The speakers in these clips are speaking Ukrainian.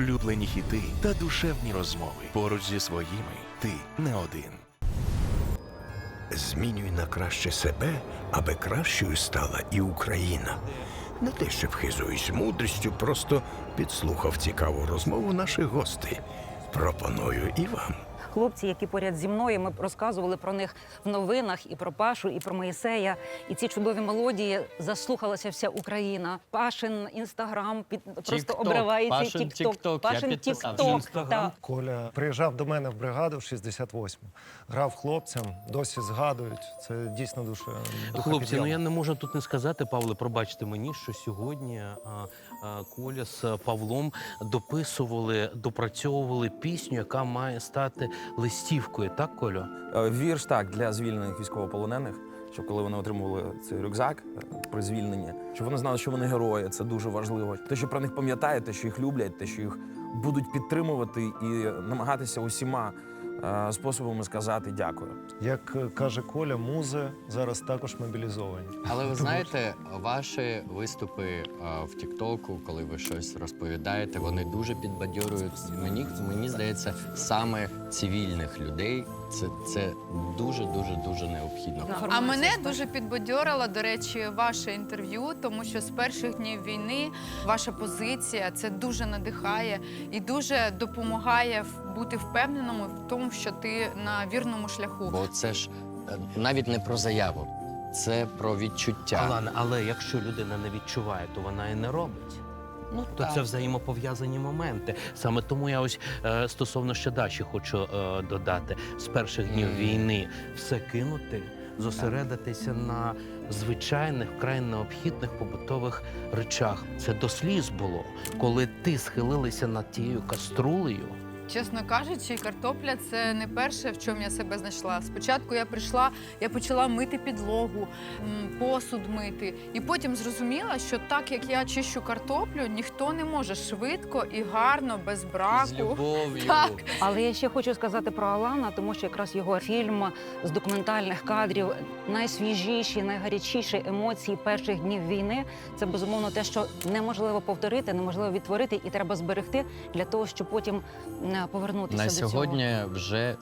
улюблені хіти та душевні розмови. Поруч зі своїми ти не один. Змінюй на краще себе, аби кращою стала і Україна. Не те, що вхизуюсь мудрістю, просто підслухав цікаву розмову наших гостей. Пропоную і вам. Хлопці, які поряд зі мною, ми розказували про них в новинах, і про Пашу, і про Моїсея. І ці чудові мелодії заслухалася вся Україна. Пашин Інстаграм просто обривається. Пашин Тік-Ток. Пашин Я підписався. Тік-Ток. Інстаграм. Так. Коля приїжджав до мене в бригаду в 68-му. Грав хлопцям, досі згадують. Це дійсно Хлопці, ну я не можу тут не сказати, Павле, пробачте мені, що сьогодні Коля з Павлом допрацьовували пісню, яка має стати листівкою. Так, Колю? Вірш так для звільнених військовополонених, щоб коли вони отримували цей рюкзак при звільненні, щоб вони знали, що вони герої. Це дуже важливо. Те, що про них пам'ятають, те, що їх люблять, те, що їх будуть підтримувати і намагатися усіма способами сказати дякую. Як каже Коля, музи зараз також мобілізовані. Але ви знаєте, ваші виступи в Тіктоку, коли ви щось розповідаєте, вони дуже підбадьорюють. Мені здається, саме цивільних людей це дуже необхідно. А мене дуже підбадьорило, до речі, ваше інтерв'ю, тому що з перших днів війни ваша позиція це дуже надихає і дуже допомагає бути впевненому в тому, що ти на вірному шляху. Бо це ж навіть не про заяву, це про відчуття. Алана, але якщо людина не відчуває, то вона і не робить. Ну, То так. це взаємопов'язані моменти. Саме тому я ось стосовно ще Даші хочу додати. З перших днів війни все кинути, зосередитися на звичайних, вкрай необхідних побутових речах. Це до сліз було, коли ти схилилася над тією каструлею. Чесно кажучи, картопля – це не перше, в чому я себе знайшла. Спочатку я прийшла, я почала мити підлогу, посуд мити. І потім зрозуміла, що так, як я чищу картоплю, ніхто не може швидко і гарно, без браку. З любов'ю. Так. Але я ще хочу сказати про Алана, тому що якраз його фільм з документальних кадрів, найсвіжіші, найгарячіші емоції перших днів війни – це, безумовно, те, що неможливо повторити, неможливо відтворити і треба зберегти для того, щоб потім повернутися На до цього. сьогодні вже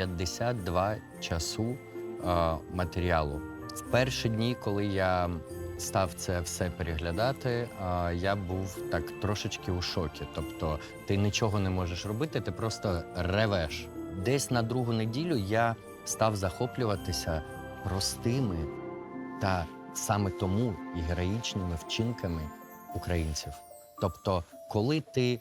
52 часу матеріалу. В перші дні, коли я став це все переглядати, я був так трошечки у шокі. Тобто ти нічого не можеш робити, ти просто ревеш. Десь на другу неділю я став захоплюватися простими та саме тому і героїчними вчинками українців. Тобто, коли ти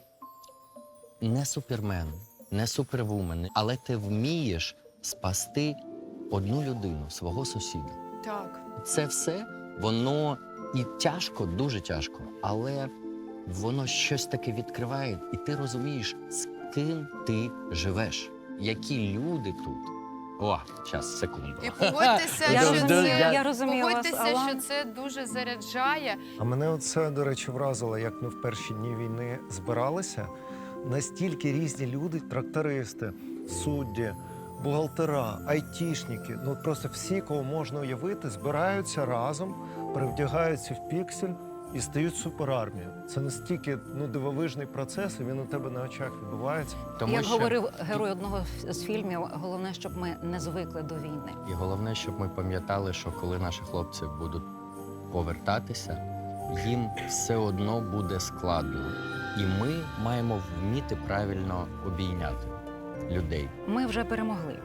не супермен, не супервумен, але ти вмієш спасти одну людину, свого сусіда. Так. Це все, воно і тяжко, дуже тяжко, але воно щось таке відкриває, і ти розумієш, з ким ти живеш, які люди тут. О, час, секунду. І погодьтеся, Я що розумію, це, я розумію вас, погодьтеся, Алан. що це дуже заряджає. А мене оце, до речі, вразило, як ми в перші дні війни збиралися. Настільки різні люди, трактористи, судді, бухгалтера, айтішники, ну просто всі, кого можна уявити, збираються разом, перевдягаються в піксель і стають суперармією. Це настільки дивовижний процес, і він у тебе на очах відбувається. Тому Як що... говорив герой одного з фільмів, головне, щоб ми не звикли до війни. І головне, щоб ми пам'ятали, що коли наші хлопці будуть повертатися, їм все одно буде складно. І ми маємо вміти правильно обійняти людей. Ми вже перемогли.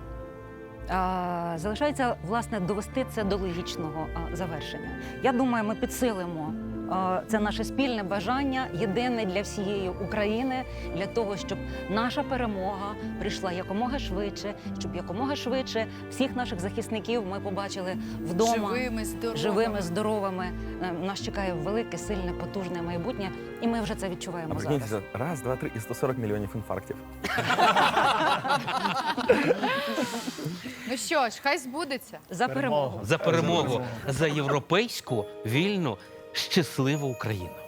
Залишається, власне, довести це до логічного завершення. Я думаю, ми підсилимо це наше спільне бажання, єдине для всієї України, для того, щоб наша перемога прийшла якомога швидше, щоб якомога швидше всіх наших захисників ми побачили вдома. Живими, здоровими. Нас чекає велике, сильне, потужне майбутнє, і ми вже це відчуваємо зараз. Раз, два, три і 140 мільйонів інфарктів. Ну що ж, хай збудеться. За перемогу. За перемогу, за європейську, вільну, щасливу Україну.